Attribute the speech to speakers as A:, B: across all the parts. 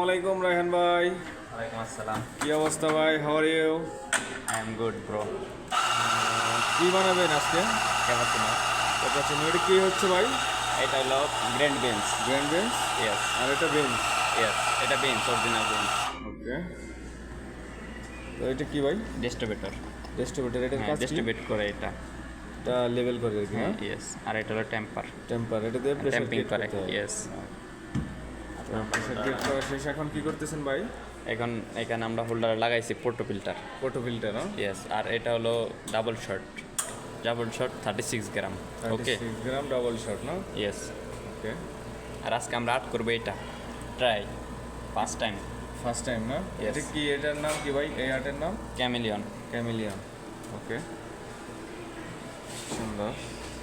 A: আসসালামু আলাইকুম রায়হান ভাই।
B: ওয়ালাইকুম আসসালাম।
A: কি অবস্থা ভাই? How are you?
B: I am good bro.
A: কি বানাবেন আজকে?
B: ক্যাপাচিনো।
A: ক্যাপাচিনো। এটা কি হচ্ছে ভাই?
B: এটা হলো grand beans.
A: Grand bench
B: yes,
A: আর এটা বেঞ্চ।
B: ইয়েস, এটা বিনস, অরিজিনাল বিনস।
A: ওকে, তো এটা কি ভাই?
B: ডিস্ট্রিবিউটর।
A: ডিস্ট্রিবিউটর। এটার
B: হ্যাঁ,
A: কাজ কি?
B: ডিস্ট্রিবিউট করে এটা।
A: এটা লেভেল করে আর কি।
B: হ্যাঁ,
A: হ্যাঁ,
B: ইয়েস। আর এটা হলো টেম্পার।
A: টেম্পার। এটা দিয়ে প্রেসার
B: ট্যাম্পিং
A: ক্রিয়েট
B: করে,
A: করতে হয়।
B: ইয়েস।
A: তো প্রেসার ক্রিয়েট করা শেষ, এখন কি করতেছেন ভাই?
B: এখন এখানে আমরা হোল্ডার লাগাইছি portafilter.
A: Photo filter.
B: Yes, আর এটা হলো double shot 36 gram. Okay,
A: 36 gram double shot না?
B: ইয়েস।
A: ওকে,
B: আর আজকে আমরা আর্ট করবো এটা try first time.
A: First time না?
B: Yes.
A: এটা কি, এটার নাম কি ভাই? এই আর্টের নাম
B: ক্যামিলিয়ন।
A: ক্যামিলিয়ন। ওকে, সুন্দর।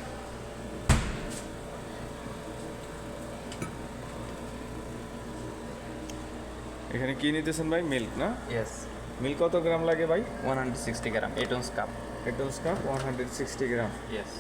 A: এখানে কি নিতেছেন ভাই? মিল্ক না?
B: ইয়েস,
A: মিল্ক কত গ্রাম লাগে ভাই?
B: 160 গ্রাম, 8 ounce কাপ।
A: এটলস কাপ 160 গ্রাম।
B: ইয়েস।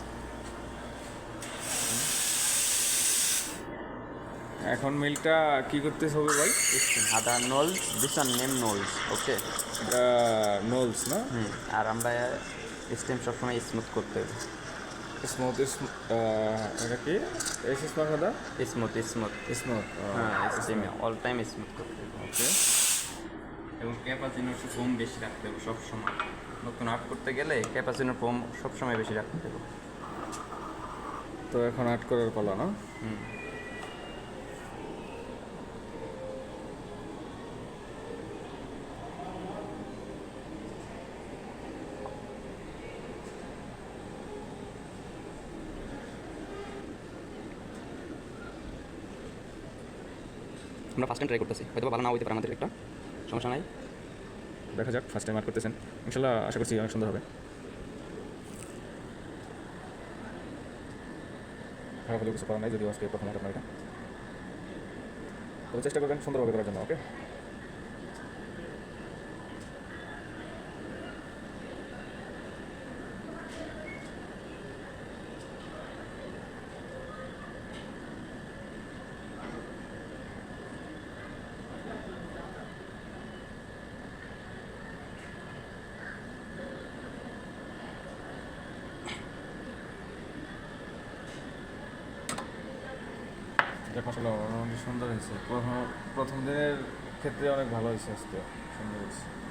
A: এখন মিল্কটা কি করতে হবে ভাই?
B: আদা নোলস, দিস ওয়ান নেম নোলস। ওকে।
A: এটা নোলস না?
B: আর আমরা স্টেম সবসময় স্মুথ করতে হবে।
A: স্মুথ। এটা কি? এস স্মুথ আদা?
B: Smooth smooth.
A: স্মুথ।
B: হ্যাঁ, স্টেমে অল টাইম স্মুথ করতে হবে।
A: ওকে,
B: এবং ক্যাপাচিনোর ফোম বেশি রাখতে হবে সবসময়। নতুন আর্ট করতে গেলে ক্যাপাচিনোর ফোম সবসময় বেশি রাখতে হবে।
A: তো এখন আর্ট করার পালা না?
B: আমরা ফার্স্ট টাইম ট্রাই করতেছি, হয়তো ভালো না হইতে পারে, আমাদের একটা সমস্যা নাই।
A: দেখা যাক, ফার্স্ট টাইম আর্ট করতেছেন, ইনশাল্লাহ আশা করছি অনেক সুন্দর হবে। খারাপ হলেও কিছু করার নাই, যদিও আজকে প্রথম আর্ট আপনার এটা। তবে চেষ্টা করবেন সুন্দরভাবে করার জন্য। ওকে, দেখ মাসাল্লাহ অনেক সুন্দর হয়েছে। প্রথম দিনের ক্ষেত্রে অনেক ভালো হয়েছে, আজকে সুন্দর হয়েছে।